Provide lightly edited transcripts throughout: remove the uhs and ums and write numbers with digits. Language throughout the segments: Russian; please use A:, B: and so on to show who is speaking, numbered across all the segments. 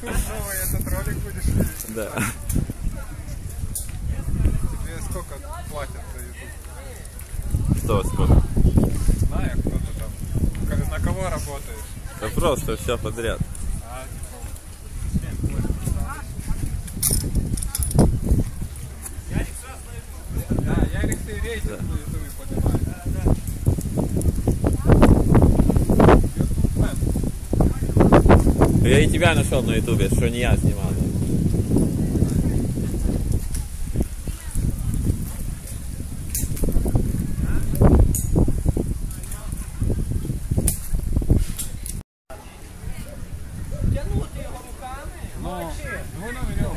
A: Новый этот ролик будешь видеть?
B: Да.
A: Тебе сколько платят за YouTube?
B: Что, сколько?
A: Знаю, кто ты там. На кого работаешь?
B: Да просто все подряд.
A: Да, Ярик, ты рейтинг на ютубе поднимаешь.
B: Я и тебя нашел на ютубе, что не я снимал.
A: Ну на веревку.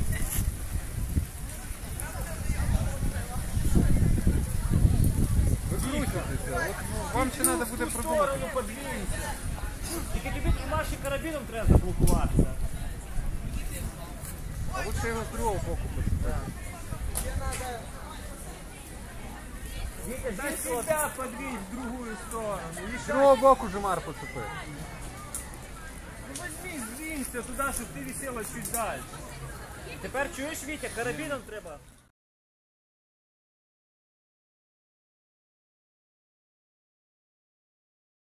A: Викрутитеся. Вам ще треба буде продумати.
C: Тільки тобі тримаші карабіном треба заблокуватися.
A: А лучше його з другого боку почитати.
C: Дай себя подвинь в другую сторону.
A: З другого боку Жимар поцепи.
C: Ну возьми, сдвинься туда, щоб ти висела чуть дальше. Тепер чуєш, Вітя, карабіном треба